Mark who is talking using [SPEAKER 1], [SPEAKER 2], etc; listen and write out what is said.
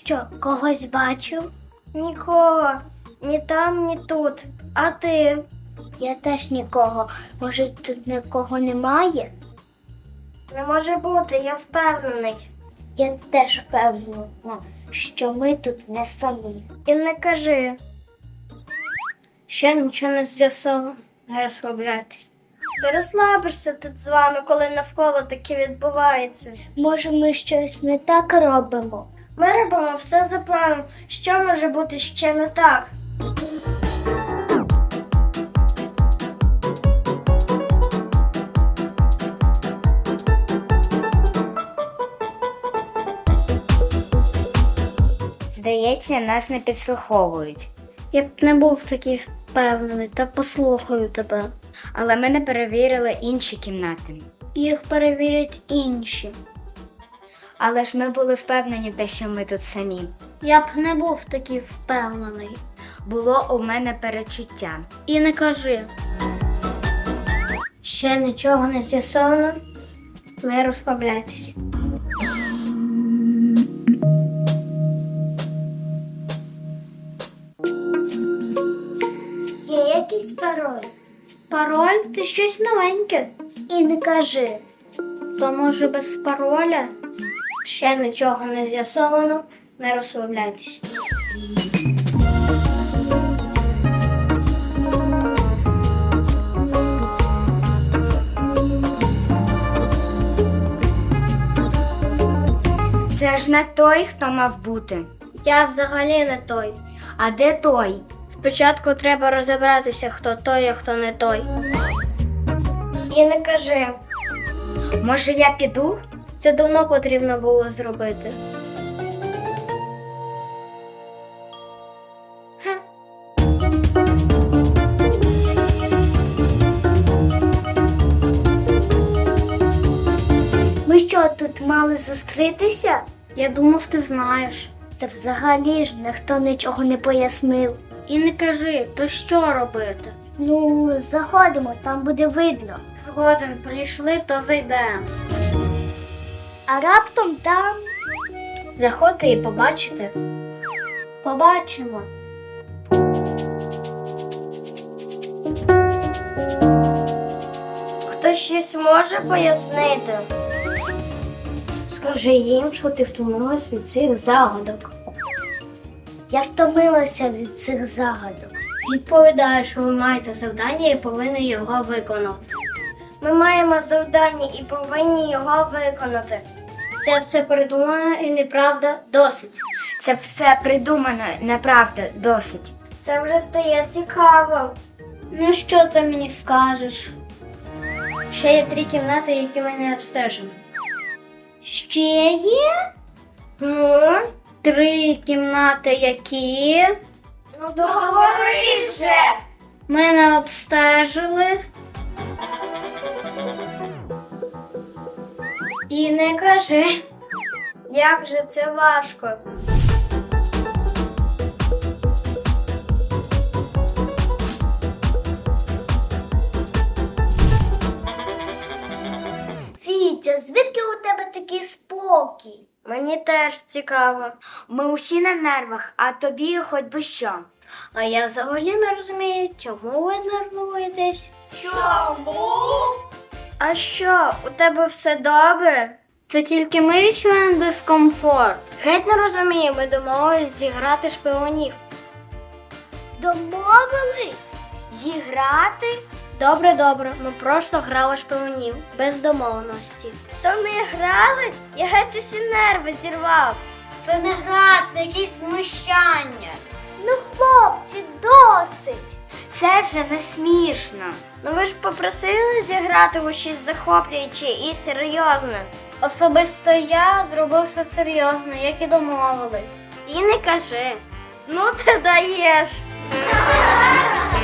[SPEAKER 1] що, когось бачив?
[SPEAKER 2] Нікого. Ні там, ні тут. А ти?
[SPEAKER 1] Я теж нікого. Може, тут нікого немає?
[SPEAKER 2] Не може бути, я впевнений.
[SPEAKER 1] Я теж впевнена, що ми тут не самі.
[SPEAKER 2] І не кажи.
[SPEAKER 1] Ще нічого не з'ясовано. Не розслабляйтесь.
[SPEAKER 2] Ти розслабишся тут з вами, коли навколо таке відбувається.
[SPEAKER 1] Може, ми щось не так робимо?
[SPEAKER 2] Ми робимо все за планом. Що може бути ще не так?
[SPEAKER 3] Здається, нас не підслуховують.
[SPEAKER 1] Я б не був такий впевнений, та послухаю тебе.
[SPEAKER 3] Але ми не перевірили інші кімнати.
[SPEAKER 1] Їх перевірять інші.
[SPEAKER 3] Але ж ми були впевнені, те, що ми тут самі.
[SPEAKER 1] Я б не був такий впевнений.
[SPEAKER 3] Було у мене перечуття.
[SPEAKER 1] І не кажи. Ще нічого не з'ясовано. Не розслабляйтесь. Є якийсь пароль? Пароль? Ти щось новеньке. І не кажи. То може без пароля? Ще нічого не з'ясовано. Не розслабляйтесь.
[SPEAKER 3] Це ж не той, хто мав бути.
[SPEAKER 1] Я взагалі не той.
[SPEAKER 3] А де той?
[SPEAKER 1] Спочатку треба розібратися, хто той, а хто не той.
[SPEAKER 2] І не кажи.
[SPEAKER 3] Може, я піду?
[SPEAKER 1] Це давно потрібно було зробити. Ми що, тут мали зустрітися? Я думав, ти знаєш. Та взагалі ж ніхто нічого не пояснив. І не кажи, то що робити? Ну, заходимо, там буде видно. Згоден, прийшли, то зайдемо. А раптом там. Заходьте і побачите. Побачимо.
[SPEAKER 2] Хтось щось може пояснити?
[SPEAKER 1] Скажи їм, що ти втомилась від цих загадок. Я втомилася від цих загадок. Відповідаю, що ви маєте завдання і повинні його виконати.
[SPEAKER 2] Ми маємо завдання і повинні його виконати.
[SPEAKER 1] Це все придумано і неправда досить.
[SPEAKER 3] Це все придумано, неправда, досить.
[SPEAKER 2] Це вже стає цікаво.
[SPEAKER 1] Ну що ти мені скажеш? Ще є 3 кімнати, які ви не обстежені.
[SPEAKER 2] Ще є? Ну?
[SPEAKER 1] 3 кімнати, які
[SPEAKER 2] Ну договори вже!
[SPEAKER 1] ми не обстежили.
[SPEAKER 2] І не кажи. Як же це важко.
[SPEAKER 1] Вітя, звідки у тебе такий спокій?
[SPEAKER 2] Мені теж цікаво.
[SPEAKER 3] Ми усі на нервах, а тобі хоч би що.
[SPEAKER 1] А я взагалі не розумію, чому ви нервуєтесь?
[SPEAKER 2] Чому? А що, у тебе все добре?
[SPEAKER 1] Це тільки ми відчуваємо дискомфорт. Геть не розумію, ми домовились зіграти шпигунів. Домовились?
[SPEAKER 3] Зіграти?
[SPEAKER 1] Добре, ми просто грали шпигунів, без домовленості.
[SPEAKER 2] То ми грали, я геть усі нерви зірвав.
[SPEAKER 1] Це не гра, це якесь знущання. Ну, хлопці, досить.
[SPEAKER 3] Це вже не смішно.
[SPEAKER 2] Ну ви ж попросили зіграти у щось захоплююче і серйозне.
[SPEAKER 1] Особисто я зробив все серйозно, як і домовились. І не кажи.
[SPEAKER 2] Ну ти даєш.